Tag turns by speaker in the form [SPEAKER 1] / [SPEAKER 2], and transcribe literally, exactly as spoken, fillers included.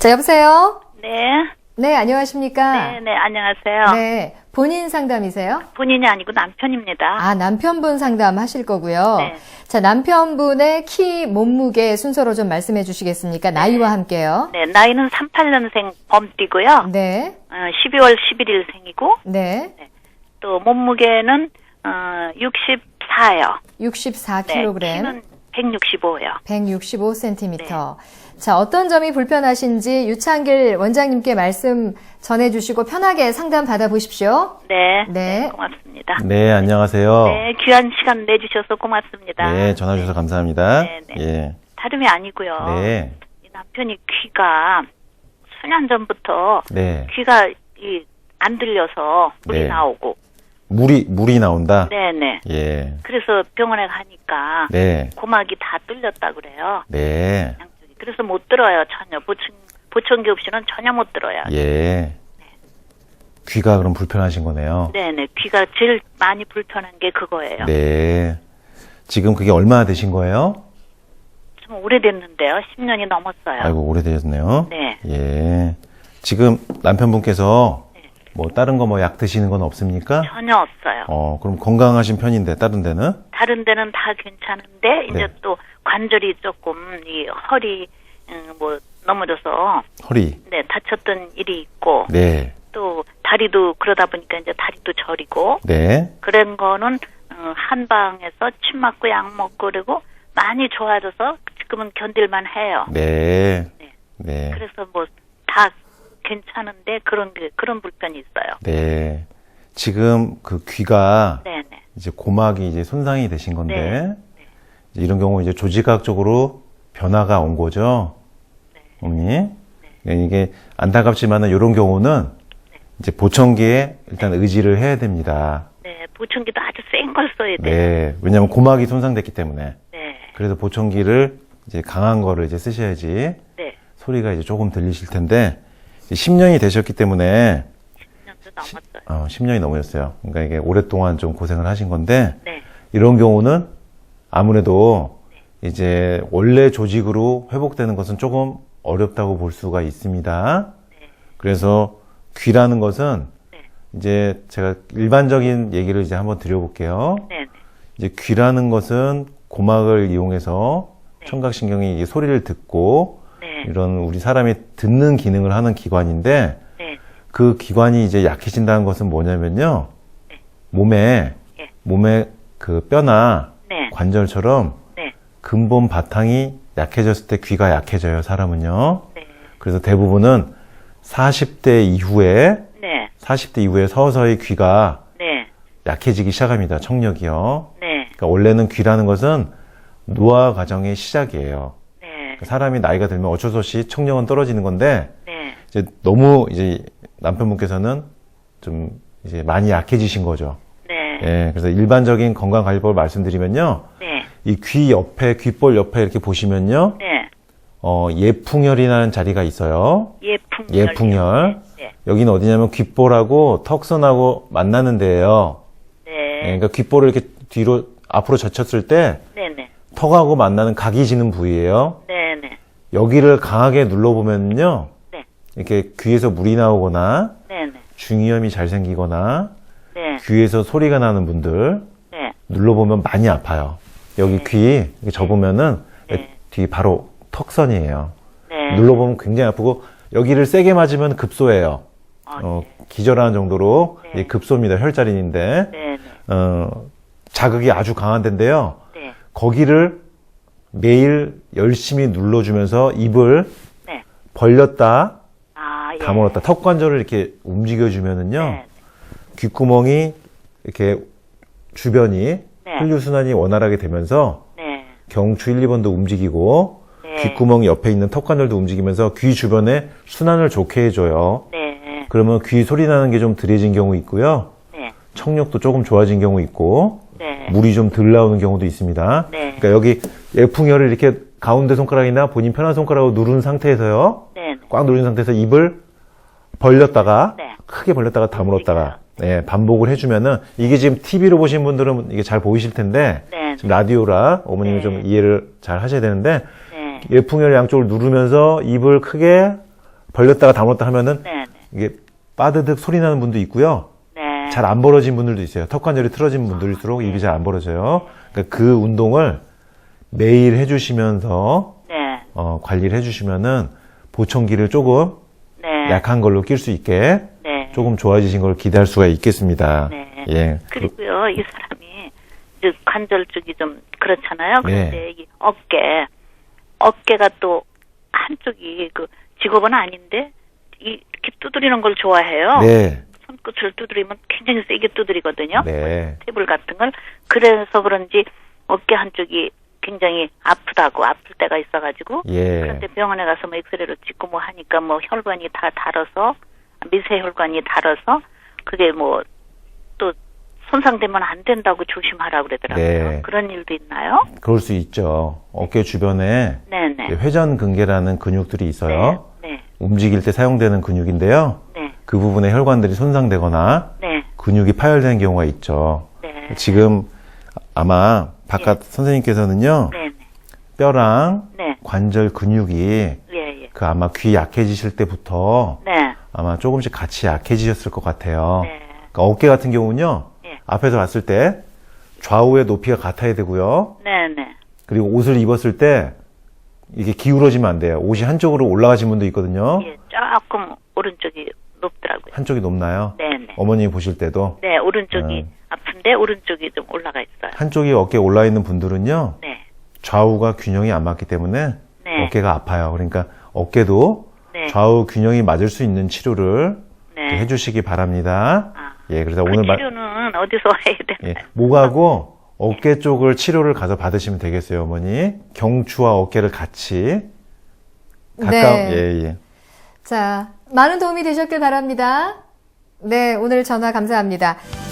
[SPEAKER 1] 자, 여보세요?
[SPEAKER 2] 네.
[SPEAKER 1] 네, 안녕하십니까?
[SPEAKER 2] 네, 네, 안녕하세요.
[SPEAKER 1] 네, 본인 상담이세요?
[SPEAKER 2] 본인이 아니고 남편입니다.
[SPEAKER 1] 아, 남편분 상담 하실 거고요.
[SPEAKER 2] 네.
[SPEAKER 1] 자, 남편분의 키, 몸무게 순서로 좀 말씀해 주시겠습니까? 나이와 함께요.
[SPEAKER 2] 네, 나이는 삼십팔 년생 범띠고요.
[SPEAKER 1] 네,
[SPEAKER 2] 어, 십이월 십일일생이고,
[SPEAKER 1] 네,
[SPEAKER 2] 또 몸무게는 어, 육십사요.
[SPEAKER 1] 육십사
[SPEAKER 2] 네,
[SPEAKER 1] 킬로그램,
[SPEAKER 2] 키는 백육십오요.
[SPEAKER 1] 백육십오 센티미터. 자, 어떤 점이 불편하신지 유창길 원장님께 말씀 전해주시고 편하게 상담 받아보십시오.
[SPEAKER 2] 네,
[SPEAKER 1] 네.
[SPEAKER 2] 네, 고맙습니다.
[SPEAKER 3] 네, 안녕하세요.
[SPEAKER 2] 네, 귀한 시간 내주셔서 고맙습니다.
[SPEAKER 3] 네, 전화 주셔서 감사합니다.
[SPEAKER 2] 네, 네.
[SPEAKER 3] 예.
[SPEAKER 2] 다름이 아니고요.
[SPEAKER 3] 네.
[SPEAKER 2] 이 남편이 귀가 수년 전부터
[SPEAKER 3] 네.
[SPEAKER 2] 귀가 이 안 들려서 물이
[SPEAKER 3] 네.
[SPEAKER 2] 나오고.
[SPEAKER 3] 물이 물이 나온다.
[SPEAKER 2] 네네.
[SPEAKER 3] 예.
[SPEAKER 2] 그래서 병원에 가니까
[SPEAKER 3] 네.
[SPEAKER 2] 고막이 다 뚫렸다 그래요.
[SPEAKER 3] 네.
[SPEAKER 2] 양쪽이. 그래서 못 들어요 전혀. 보청 보청기 없이는 전혀 못 들어요.
[SPEAKER 3] 예. 귀가 그럼 불편하신 거네요.
[SPEAKER 2] 네네. 귀가 제일 많이 불편한 게 그거예요.
[SPEAKER 3] 네. 지금 그게 얼마나 되신 거예요?
[SPEAKER 2] 좀 오래됐는데요. 십 년이 넘었어요.
[SPEAKER 3] 아이고, 오래되셨네요.
[SPEAKER 2] 네.
[SPEAKER 3] 예. 지금 남편분께서
[SPEAKER 2] 네.
[SPEAKER 3] 뭐 다른 거 뭐 약 드시는 건 없습니까?
[SPEAKER 2] 전혀 없어요.
[SPEAKER 3] 어, 그럼 건강하신 편인데 다른 데는?
[SPEAKER 2] 다른 데는 다 괜찮은데 이제
[SPEAKER 3] 네.
[SPEAKER 2] 또 관절이 조금 이 허리 음, 뭐 넘어져서
[SPEAKER 3] 허리.
[SPEAKER 2] 네 다쳤던 일이 있고
[SPEAKER 3] 네.
[SPEAKER 2] 또 다리도 그러다 보니까 이제 다리도 저리고
[SPEAKER 3] 네.
[SPEAKER 2] 그런 거는 어, 한방에서 침 맞고 약 먹고 그리고 많이 좋아져서 지금은 견딜만 해요.
[SPEAKER 3] 네.
[SPEAKER 2] 네.
[SPEAKER 3] 네.
[SPEAKER 2] 그래서 뭐 다 괜찮은데 그런 게 그런 불편이 있어요.
[SPEAKER 3] 네. 지금 그 귀가
[SPEAKER 2] 네네.
[SPEAKER 3] 이제 고막이 이제 손상이 되신 건데
[SPEAKER 2] 네.
[SPEAKER 3] 이제 이런 경우 이제 조직학적으로 변화가 온 거죠.
[SPEAKER 2] 네.
[SPEAKER 3] 어머니. 네, 이게 안타깝지만은 이런 경우는 이제 보청기에 일단 의지를 해야 됩니다.
[SPEAKER 2] 네 보청기도 아주 센 걸 써야 돼요.
[SPEAKER 3] 네. 왜냐하면 고막이 손상됐기 때문에.
[SPEAKER 2] 네.
[SPEAKER 3] 그래서 보청기를 이제 강한 거를 이제 쓰셔야지
[SPEAKER 2] 네.
[SPEAKER 3] 소리가 이제 조금 들리실 텐데 이제 십 년이 되셨기 때문에
[SPEAKER 2] 십 년도 넘었어요.
[SPEAKER 3] 어, 십 년이 넘으셨어요. 그러니까 이게 오랫동안 좀 고생을 하신 건데
[SPEAKER 2] 네.
[SPEAKER 3] 이런 경우는 아무래도 이제 원래 조직으로 회복되는 것은 조금 어렵다고 볼 수가 있습니다. 그래서 귀라는 것은
[SPEAKER 2] 네.
[SPEAKER 3] 이제 제가 일반적인 얘기를 이제 한번 드려볼게요.
[SPEAKER 2] 네.
[SPEAKER 3] 이제 귀라는 것은 고막을 이용해서
[SPEAKER 2] 네.
[SPEAKER 3] 청각신경이 이 소리를 듣고
[SPEAKER 2] 네.
[SPEAKER 3] 이런 우리 사람이 듣는 기능을 하는 기관인데
[SPEAKER 2] 네.
[SPEAKER 3] 그 기관이 이제 약해진다는 것은 뭐냐면요.
[SPEAKER 2] 네.
[SPEAKER 3] 몸에,
[SPEAKER 2] 예.
[SPEAKER 3] 몸에 그 뼈나
[SPEAKER 2] 네.
[SPEAKER 3] 관절처럼
[SPEAKER 2] 네.
[SPEAKER 3] 근본 바탕이 약해졌을 때 귀가 약해져요, 사람은요.
[SPEAKER 2] 네.
[SPEAKER 3] 그래서 대부분은 사십 대 이후에,
[SPEAKER 2] 네.
[SPEAKER 3] 사십 대 이후에 서서히 귀가
[SPEAKER 2] 네.
[SPEAKER 3] 약해지기 시작합니다, 청력이요.
[SPEAKER 2] 네.
[SPEAKER 3] 그러니까 원래는 귀라는 것은 노화 과정의 시작이에요.
[SPEAKER 2] 네.
[SPEAKER 3] 그러니까 사람이 나이가 들면 어쩔 수 없이 청력은 떨어지는 건데,
[SPEAKER 2] 네.
[SPEAKER 3] 이제 너무 이제 남편분께서는 좀 이제 많이 약해지신 거죠.
[SPEAKER 2] 네.
[SPEAKER 3] 예, 그래서 일반적인 건강관리법을 말씀드리면요.
[SPEAKER 2] 네.
[SPEAKER 3] 이 귀 옆에, 귓볼 옆에 이렇게 보시면요.
[SPEAKER 2] 네.
[SPEAKER 3] 어, 예풍혈이라는 자리가 있어요.
[SPEAKER 2] 예풍열.
[SPEAKER 3] 예풍혈.
[SPEAKER 2] 네.
[SPEAKER 3] 여기는 어디냐면 귓볼하고 턱선하고 만나는 데예요.
[SPEAKER 2] 네.
[SPEAKER 3] 예, 그러니까 귓볼을 이렇게 뒤로, 앞으로 젖혔을 때
[SPEAKER 2] 네. 네.
[SPEAKER 3] 턱하고 만나는 각이 지는 부위예요.
[SPEAKER 2] 네. 네.
[SPEAKER 3] 여기를 강하게 눌러보면요.
[SPEAKER 2] 네.
[SPEAKER 3] 이렇게 귀에서 물이 나오거나
[SPEAKER 2] 네. 네.
[SPEAKER 3] 중이염이 잘 생기거나
[SPEAKER 2] 네.
[SPEAKER 3] 귀에서 소리가 나는 분들
[SPEAKER 2] 네.
[SPEAKER 3] 눌러보면 많이 아파요. 여기
[SPEAKER 2] 네.
[SPEAKER 3] 귀 이렇게 접으면은
[SPEAKER 2] 네.
[SPEAKER 3] 뒤 바로 턱선이에요.
[SPEAKER 2] 네.
[SPEAKER 3] 눌러보면 굉장히 아프고 여기를 세게 맞으면 급소예요.
[SPEAKER 2] 아,
[SPEAKER 3] 어, 기절하는 정도로
[SPEAKER 2] 네.
[SPEAKER 3] 이 급소입니다. 혈자리인데
[SPEAKER 2] 네. 네.
[SPEAKER 3] 어, 자극이 아주 강한 데인데요.
[SPEAKER 2] 네.
[SPEAKER 3] 거기를 매일 열심히 눌러주면서 입을
[SPEAKER 2] 네.
[SPEAKER 3] 벌렸다
[SPEAKER 2] 아, 예.
[SPEAKER 3] 다물었다 턱 관절을 이렇게 움직여주면은요.
[SPEAKER 2] 네.
[SPEAKER 3] 귓구멍이 이렇게 주변이
[SPEAKER 2] 네.
[SPEAKER 3] 혈류순환이 원활하게 되면서
[SPEAKER 2] 네.
[SPEAKER 3] 경추 일, 이 번도 움직이고
[SPEAKER 2] 네.
[SPEAKER 3] 귓구멍 옆에 있는 턱관절도 움직이면서 귀 주변에 순환을 좋게 해줘요.
[SPEAKER 2] 네.
[SPEAKER 3] 그러면 귀 소리 나는 게 좀 덜해진 경우 있고요.
[SPEAKER 2] 네.
[SPEAKER 3] 청력도 조금 좋아진 경우 있고
[SPEAKER 2] 네.
[SPEAKER 3] 물이 좀 덜 나오는 경우도 있습니다.
[SPEAKER 2] 네.
[SPEAKER 3] 그러니까 여기 예풍혈을 이렇게 가운데 손가락이나 본인 편한 손가락으로 누른 상태에서요.
[SPEAKER 2] 네.
[SPEAKER 3] 꽉 누른 상태에서 입을 벌렸다가
[SPEAKER 2] 네.
[SPEAKER 3] 크게 벌렸다가 다물었다가 네, 반복을 해주면은 이게 지금 티비로 보신 분들은 이게 잘 보이실 텐데
[SPEAKER 2] 네.
[SPEAKER 3] 지금 라디오라 어머님이
[SPEAKER 2] 네.
[SPEAKER 3] 좀 이해를 잘 하셔야 되는데
[SPEAKER 2] 네.
[SPEAKER 3] 예풍혈 양쪽을 누르면서 입을 크게 벌렸다가 다물었다 하면은
[SPEAKER 2] 네, 네.
[SPEAKER 3] 이게 빠드득 소리 나는 분도 있고요.
[SPEAKER 2] 네.
[SPEAKER 3] 잘 안 벌어진 분들도 있어요. 턱 관절이 틀어진 분들일수록 입이 잘 안 벌어져요. 그러니까 그 운동을 매일 해주시면서
[SPEAKER 2] 네.
[SPEAKER 3] 어, 관리를 해주시면은 보청기를 조금
[SPEAKER 2] 네.
[SPEAKER 3] 약한 걸로 낄 수 있게
[SPEAKER 2] 네.
[SPEAKER 3] 조금 좋아지신 걸 기대할 수가 있겠습니다.
[SPEAKER 2] 네.
[SPEAKER 3] 예.
[SPEAKER 2] 그리고요, 이 사람이 이제 관절 쪽이 좀 그렇잖아요. 그런데
[SPEAKER 3] 네.
[SPEAKER 2] 이 어깨, 어깨가 또 한쪽이 그 직업은 아닌데 이- 이렇게 두드리는 걸 좋아해요.
[SPEAKER 3] 네.
[SPEAKER 2] 손끝을 두드리면 굉장히 세게 두드리거든요.
[SPEAKER 3] 네.
[SPEAKER 2] 테이블 같은 걸. 그래서 그런지 어깨 한쪽이 굉장히 아프다고 아플 때가 있어가지고
[SPEAKER 3] 예.
[SPEAKER 2] 그런데 병원에 가서 뭐 엑스레이로 찍고 뭐 하니까 뭐 혈관이 다 닳아서 미세 혈관이 닳아서 그게 뭐 또 손상되면 안 된다고 조심하라 그러더라고요.
[SPEAKER 3] 네.
[SPEAKER 2] 그런 일도 있나요?
[SPEAKER 3] 그럴 수 있죠. 어깨 주변에
[SPEAKER 2] 네네.
[SPEAKER 3] 회전근개라는 근육들이 있어요.
[SPEAKER 2] 네.
[SPEAKER 3] 움직일 때 사용되는 근육인데요.
[SPEAKER 2] 네.
[SPEAKER 3] 그 부분에 혈관들이 손상되거나
[SPEAKER 2] 네.
[SPEAKER 3] 근육이 파열되는 경우가 있죠.
[SPEAKER 2] 네.
[SPEAKER 3] 지금 아마 바깥 선생님께서는요.
[SPEAKER 2] 네.
[SPEAKER 3] 뼈랑
[SPEAKER 2] 네.
[SPEAKER 3] 관절 근육이
[SPEAKER 2] 예, 예.
[SPEAKER 3] 그 아마 귀 약해지실 때부터
[SPEAKER 2] 네.
[SPEAKER 3] 아마 조금씩 같이 약해지셨을 것 같아요.
[SPEAKER 2] 네.
[SPEAKER 3] 그러니까 어깨 같은 경우는요.
[SPEAKER 2] 예.
[SPEAKER 3] 앞에서 봤을 때 좌우의 높이가 같아야 되고요.
[SPEAKER 2] 네, 네.
[SPEAKER 3] 그리고 옷을 입었을 때 이게 기울어지면 안 돼요. 옷이 한쪽으로 올라가신 분도 있거든요.
[SPEAKER 2] 예, 조금 오른쪽이 높더라고요.
[SPEAKER 3] 한쪽이 높나요?
[SPEAKER 2] 네, 네.
[SPEAKER 3] 어머님이 보실 때도
[SPEAKER 2] 네, 오른쪽이
[SPEAKER 3] 음.
[SPEAKER 2] 아픈데 오른쪽이 좀 올라가 있어요.
[SPEAKER 3] 한쪽이 어깨에 올라 있는 분들은요.
[SPEAKER 2] 네.
[SPEAKER 3] 좌우가 균형이 안 맞기 때문에
[SPEAKER 2] 네.
[SPEAKER 3] 어깨가 아파요. 그러니까 어깨도
[SPEAKER 2] 네.
[SPEAKER 3] 좌우 균형이 맞을 수 있는 치료를
[SPEAKER 2] 네.
[SPEAKER 3] 해주시기 바랍니다.
[SPEAKER 2] 아.
[SPEAKER 3] 예, 그래서
[SPEAKER 2] 그
[SPEAKER 3] 오늘 말-
[SPEAKER 2] 치료는 어디서 해야 되나요?
[SPEAKER 3] 예, 목하고 어깨 쪽을 치료를 가서 받으시면 되겠어요, 어머니. 경추와 어깨를 같이 가까운
[SPEAKER 1] 네.
[SPEAKER 3] 예, 예.
[SPEAKER 1] 자, 많은 도움이 되셨길 바랍니다. 네, 오늘 전화 감사합니다.